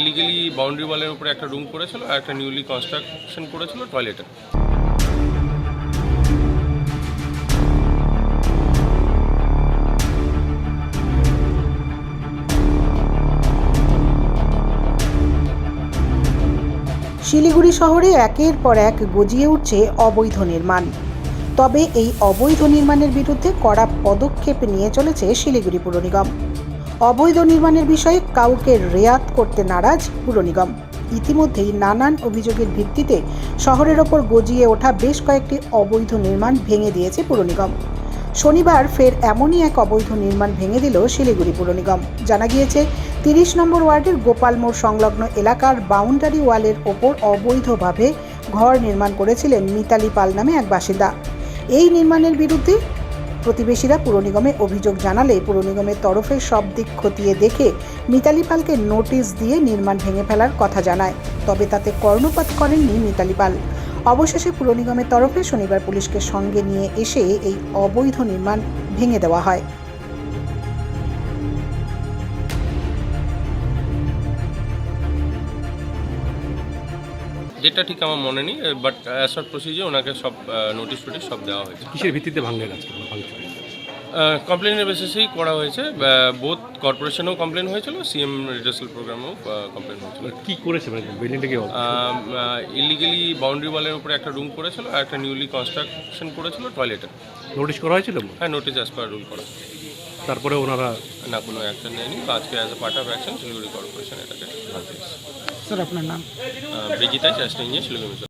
Illegally boundary ওয়ালের উপরে একটা রুম করেছিল আর একটা নিউলি কনস্ট্রাকশন করেছিল টয়লেটে। শিলিগুড়ি শহরে একের পর এক গজিয়ে উঠছে অবৈধ নির্মাণ। তবে এই অবৈধ নির্মাণের বিরুদ্ধে কড়া পদক্ষেপ নিয়ে চলেছে শিলিগুড়ি পুর নিগম। অবৈধ নির্মাণের বিষয়ে কাউকে রেয়াত করতে নারাজ পুর নিগম। ইতিমধ্যেই নানান অভিযোগের ভিত্তিতে শহরের ওপর গজিয়ে ওঠা বেশ কয়েকটি অবৈধ নির্মাণ ভেঙে দিয়েছে পুর নিগম। শনিবার ফের এমনই এক অবৈধ নির্মাণ ভেঙে দিল শিলিগুড়ি পুর নিগম। জানা গিয়েছে 30 নম্বর ওয়ার্ডের গোপাল মোড় সংলগ্ন এলাকার বাউন্ডারি ওয়ালের ওপর অবৈধভাবে ঘর নির্মাণ করেছিলেন মিতালি পাল নামে এক বাসিন্দা। এই নির্মাণের বিরুদ্ধে প্রতিবেশীরা পুর নিগমে অভিযোগ জানালে পুর নিগমের তরফে সব দিক খতিয়ে দেখে মিতালি পালকে নোটিশ দিয়ে নির্মাণ ভেঙে ফেলার কথা জানায়। তবে তাতে কর্ণপাত করেননি মিতালি পাল। অবশেষে পুর নিগমের তরফে শনিবার পুলিশকে সঙ্গে নিয়ে এসে এই অবৈধ নির্মাণ ভেঙে দেওয়া হয়। যেটা ঠিক আমার মনে নেই, বাট অ্যাজ পার প্রসিজার ওনাকে সব নোটিশ টোটিশ সব দেওয়া হয়েছে। কিসের ভিত্তিতে ভাঙলেন আজকে? কমপ্লেনের বেসিসেই করা হয়েছে। বোথ কর্পোরেশনেও কমপ্লেন হয়েছিল, সিএম রিডার্সাল প্রোগ্রামেও কমপ্লেন হয়েছিল। কি করেছে মানে বিল্ডিংটা কি? ইলিগালি বাউন্ডারি ওয়ালের উপরে একটা রুম করেছিল আর একটা নিউলি কনস্ট্রাকশন করেছিল টয়লেটে। নোটিশ করা হয়েছিল? হ্যাঁ, নোটিশ অ্যাজ পার রুল করা। তারপরে ওনারা না, কোনো অ্যাকশন নেয়নি। আজকে as a part of action Siliguri corporation এটাকে ভাঙতে এসেছে। স্যার, আপনার নাম? ব্রিজিতা, চাষটা ইঞ্জিনিয়ার, শিলিগুড়ি।